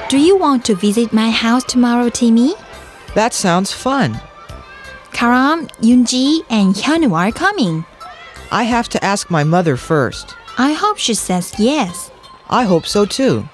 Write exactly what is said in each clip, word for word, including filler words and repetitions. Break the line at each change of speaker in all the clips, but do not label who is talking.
Do you want to visit my house tomorrow, Timmy?
That sounds fun.
Karam, Yoonji, and Hyunwoo are coming.
I have to ask my mother first.
I hope she says yes.
I hope so too.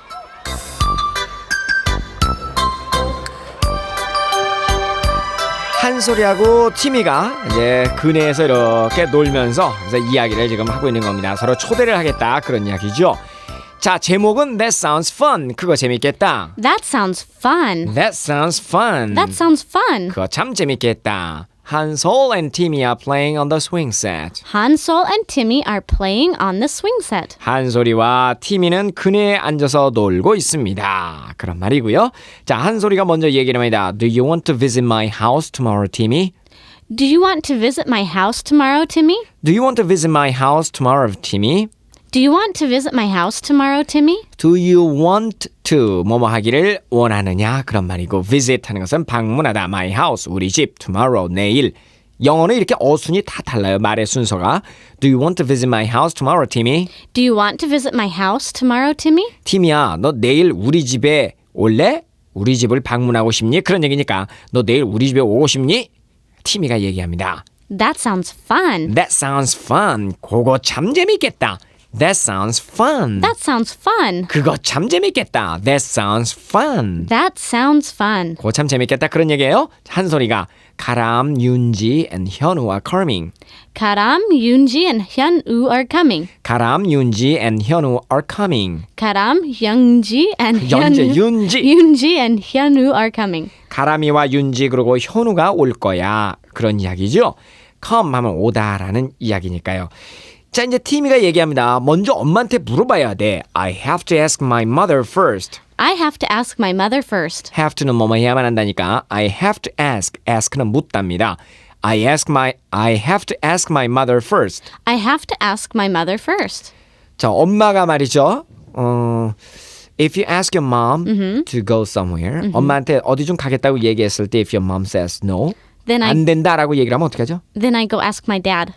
한솔이하고 티미가 이제 그네에서 이렇게 놀면서 이제 이야기를 지금 하고 있는 겁니다. 서로 초대를 하겠다 그런 이야기죠. 자, 제목은 That sounds fun. 그거 재밌겠다.
That sounds fun.
That sounds fun.
That sounds fun.
그거 참 재밌겠다. 한솔 and Timmy are playing on the swing set.
Hansol and Timmy are playing on the swing set.
한솔이와 티미는 그네에 앉아서 놀고 있습니다. 그런 말이고요. 자, 한솔이가 먼저 얘기를 합니다. Do you want to visit my house tomorrow, Timmy?
Do you want to visit my house tomorrow, Timmy?
Do you want to visit my house tomorrow, Timmy?
Do you want to visit my house tomorrow, Timmy?
Do you want to 뭐뭐 하기를 원하느냐 그런 말이고 visit 하는 것은 방문하다 my house 우리 집 tomorrow 내일 영어는 이렇게 어순이 다 달라요 말의 순서가 Do you want to visit my house tomorrow, Timmy?
Do you want to visit my house tomorrow, Timmy?
티미야 너 내일 우리 집에 올래? 우리 집을 방문하고 싶니? 그런 얘기니까 너 내일 우리 집에 오고 싶니? 티미가 얘기합니다.
That sounds fun.
That sounds fun. 그거 참 재밌겠다. That sounds fun.
That sounds fun.
그거 참 재밌겠다. That sounds fun.
That sounds fun.
그거 참 재밌겠다. 그런 얘기예요. 한솔이가 가람, 윤지 and 현우 are coming.
Karam, Yoonji, and Hyunwoo are coming.
가람, 윤지 and 현우 are coming.
Karam, Youngji, and
연재,
Hyunwoo.
윤지.
Yoonji and Hyunwoo are coming.
가람이와 윤지 그리고 현우가 올 거야. 그런 이야기죠. come 하면 오다라는 이야기니까요. 자, 이제 티미가 얘기합니다. 먼저 엄마한테 물어봐야 돼. I have to ask my mother first.
I have to ask my mother first.
have to는 뭐뭐 해야만 한다니까. I have to ask. ask는 묻답니다. I ask my I have to ask my mother first.
I have to ask my mother first.
자, 엄마가 말이죠. 어, if you ask your mom mm-hmm. to go somewhere, mm-hmm. 엄마한테 어디 좀 가겠다고 얘기했을 때 if your mom says no,
Then I
안 된다라고 얘기를 하면 어떻게 하죠?
then I go ask my dad.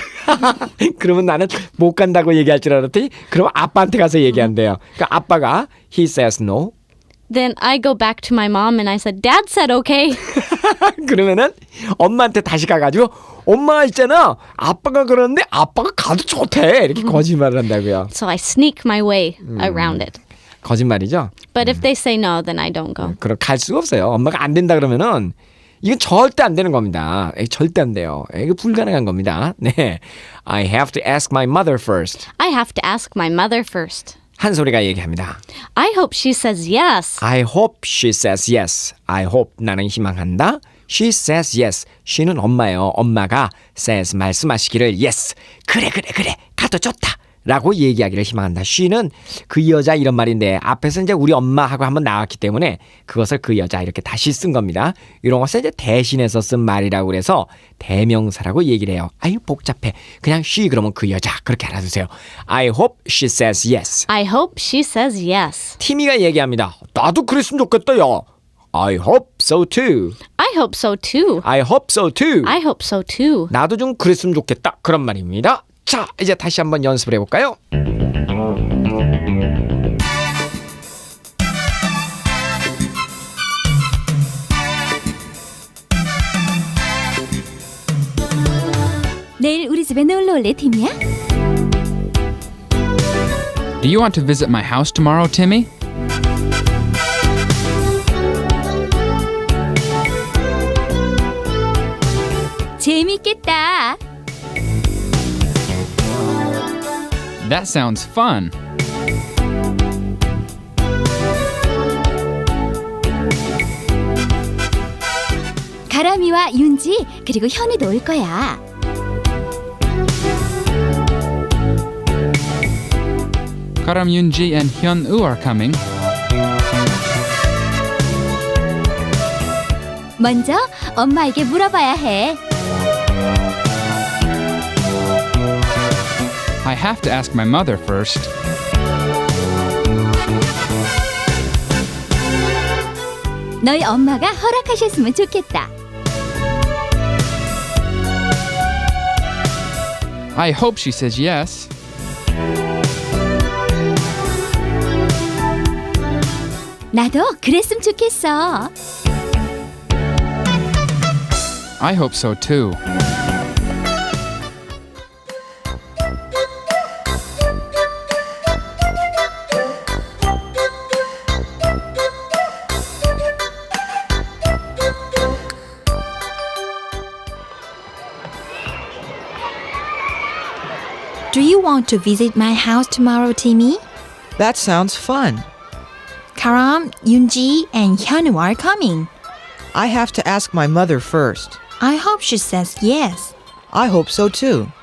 그러면 나는 못 간다고 얘기할 줄 알았더니 그럼 아빠한테 가서 얘기한대요. 그러니까 아빠가 he says no.
Then I go back to my mom and I said, Dad said okay.
그러면은 엄마한테 다시 가가지고 엄마가 있잖아. 아빠가 그러는데 아빠가 가도 좋대. 이렇게 거짓말을 한다고요.
So I sneak my way around it.
거짓말이죠.
But if they say no, then I don't go.
그럼 갈 수가 없어요. 엄마가 안 된다 그러면은 이건 절대 안 되는 겁니다. 에이, 절대 안 돼요. 에이, 이거 불가능한 겁니다. 네, I have to ask my mother first.
I have to ask my mother first.
한솔이가 얘기합니다.
I hope she says yes.
I hope she says yes. I hope 나는 희망한다. She says yes. she는 엄마예요. 엄마가 says 말씀하시기를 yes. 그래 그래 그래 가도 좋다. 라고 얘기하기를 희망한다. she는 그 여자 이런 말인데 앞에서 이제 우리 엄마하고 한번 나왔기 때문에 그것을 그 여자 이렇게 다시 쓴 겁니다. 이런 것을 이제 대신해서 쓴 말이라고 그래서 대명사라고 얘기를 해요. 아유 복잡해. 그냥 she 그러면 그 여자 그렇게 알아두세요. I hope she says yes.
I hope she says yes.
티미가 얘기합니다. 나도 그랬으면 좋겠다 야. I hope so too.
I hope so too.
I hope so too.
I hope so too.
나도 좀 그랬으면 좋겠다. 그런 말입니다. 자, 이제 다시 한번 연습을 해볼까요?
내일 우리 집에 놀러 올래, 팀이야?
Do you want to visit my house tomorrow, Timmy?
재밌겠다.
That sounds fun.
가람이와 윤지 그리고 현우도 올 거야.
Karam, Yoonji, and Hyunwoo are coming.
먼저 엄마에게 물어봐야 해.
I have to ask my mother first.
너희 엄마가 허락하셨으면 좋겠다.
I hope she says yes.
나도 그랬으면 좋겠어.
I hope so too.
Do you want to visit my house tomorrow, Timmy?
That sounds fun.
Karam, Yoonji, and Hyunwoo are coming.
I have to ask my mother first.
I hope she says yes.
I hope so too.